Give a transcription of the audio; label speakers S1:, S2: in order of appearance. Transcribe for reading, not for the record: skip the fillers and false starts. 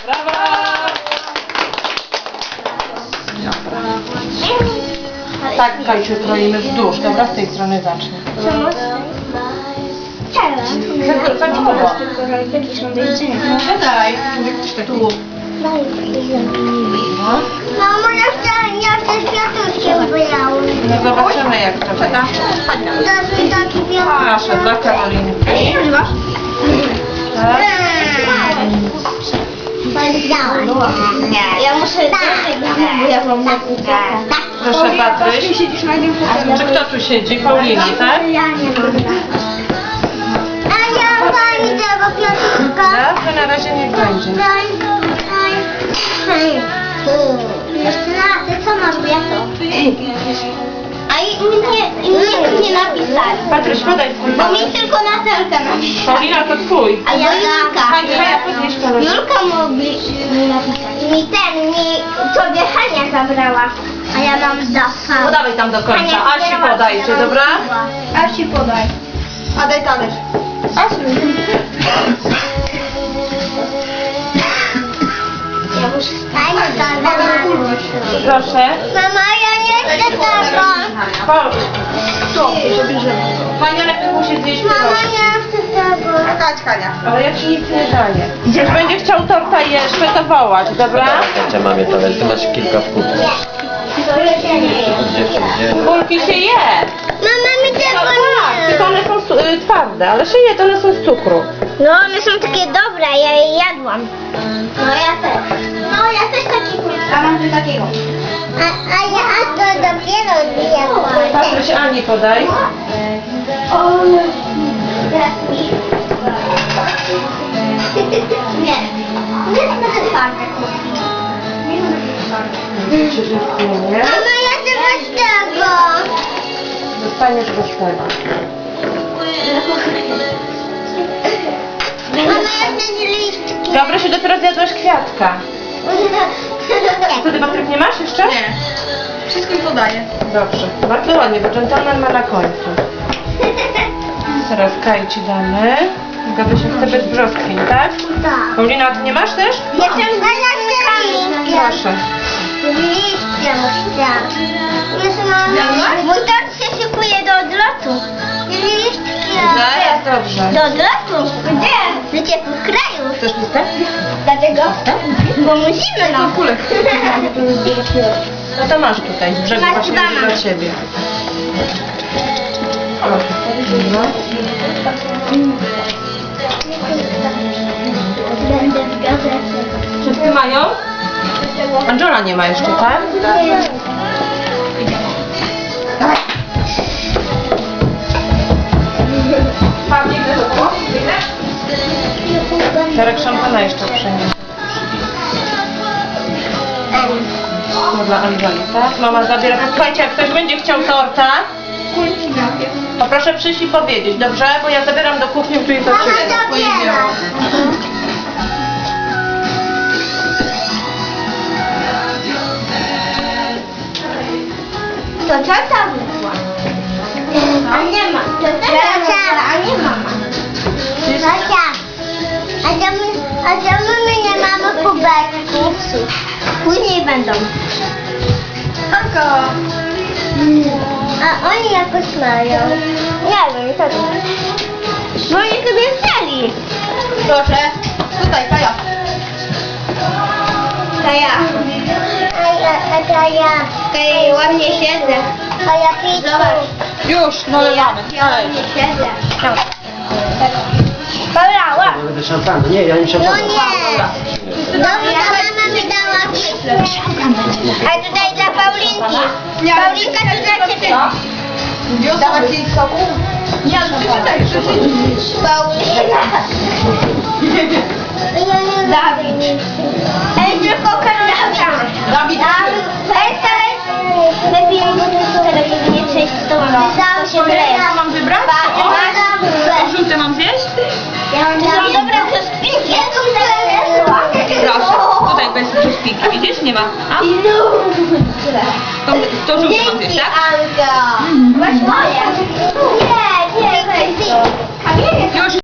S1: Brawo! Tak, Kajciu, kroimy wzdłuż. Dobra, z tej strony zacznij. Daj, tu.
S2: Mamo, ja chcę światłkiem wylały.
S1: No zobaczymy jak to będzie. Proszę, dla Karolinki. Tak.
S2: Ja muszę bo ja mam
S1: Proszę, Patryś. Czy kto tu siedzi? Paulini, tak?
S2: Ja nie mam. A ja pani tego Piotrka.
S1: Dobrze, na razie niech będzie.
S2: Jeszcze raz, co masz, ja to? A nie napisali.
S1: Patryś, podaj twój
S2: Bo mi
S1: palec.
S2: tylko Natelka napisała.
S1: Paulina, to twój.
S2: A ja Julka.
S1: Kaja, podnieś palec.
S2: Julka mogli napisać. Mi sobie Hania zabrała. A ja mam zafa.
S1: Podawaj tam do końca. Asi podajcie, dobra?
S2: Asi podaj.
S3: A daj talerz.
S2: Ja muszę stać.
S1: Proszę.
S2: Mama, ja nie chcę tego.
S1: Chodź. Hania najpierw musi zjeść
S2: Mama,
S1: pierogi.
S2: nie chcę tego.
S3: Chodź, Hania.
S1: Ale ja ci nic nie daję. Jak będzie chciał torta jeszcze, to wołać, dobra?
S4: Gdzie mamie talerz? Ty masz kilka w kuchni. Gdzie?
S1: Kulki się je.
S2: Mama, mi
S1: No
S2: tego
S1: tak,
S2: nie.
S1: tylko one są twarde, ale się je, to one są z cukru.
S2: No, one są takie dobre, ja je jadłam. No, ja też. No, ja też taki
S3: Ja mam coś takiego.
S2: A ja to dopiero jadłam.
S1: Patryś, Ani podaj.
S2: Nie. Nie będę twarde.
S1: Nie?
S2: Mama, ja chcę bez tego.
S1: Dostaniesz bez tego.
S2: Mama, ja chcę listki.
S1: Dobra, się dopiero zjadłaś kwiatka. Wtedy Patryk nie masz jeszcze?
S3: Nie. Wszystkim podaję.
S1: Dobrze. Bardzo ładnie, bo dżentelmen ma na końcu. Teraz Kaj ci damy. Gabryś chce bez brzoskwiń, tak?
S2: Tak.
S1: Paulina, a ty nie masz też?
S2: Ja chcę listki.
S1: Proszę.
S2: Liście muszę. Jest mama. Mój tort się szykuje do odlotu. Listki.
S1: Zaraz, dobrze.
S2: Do odlotu? Gdzie? Do ciepłych krajów.
S1: Chcesz listę?
S2: Dlaczego? Bo musimy, no.
S1: Kulek. No to masz tutaj, z brzegu
S2: Masz
S1: właśnie
S2: dwa mam.
S1: dla ciebie. No.
S2: Będę w gazecie.
S1: Wszyscy mają? Angela nie ma jeszcze, tak? Pawlik, to było? Czarek szampana jeszcze przyniesie. To dla Angeli, tak? Mama zabiera. Słuchajcie, jak ktoś będzie chciał torta, to proszę przyjść i powiedzieć, dobrze? Bo ja zabieram do kuchni, tu jest do ciebie.
S2: zabiera. To co tam wyszła? A nie ma. To a nie mama. Zosia. A czemu my nie mamy kubeczków? Później będą.
S3: Hanka.
S2: A oni jakoś mają. Nie wiem, co to? Bo oni sobie wzięli.
S3: Proszę. Tutaj, Kaja.
S2: Kaja. Kaja. Kaja, ładnie siedzę. Kaja, pić. Zobacz.
S1: Już, nalewamy.
S2: Ja ładnie siedzę. Dobra, łap.
S4: Ja będę szampana. Nie, ja nie
S2: No
S4: szampana.
S2: nie. Dobra, mama mi dała. A tutaj dla Paulinki. Paulinka to dla ciebie.
S3: Dawać jej soku? Nie, przeczytaj,
S2: Paulina. Dawid. Ej, tylko kandydatka.
S3: Dawid.
S2: Lepiej nie przejść z tobą. To się wyleje.
S3: Co mam wybrać? Żółte mam zjeść?
S2: Dobra, to spinki.
S3: Proszę. Tutaj bez szpinki, widzisz? Nie ma. A? To żółte mam zjeść, tak?
S2: Anka. Masz moje. Nie, nie, weź. Kamienie.
S3: Już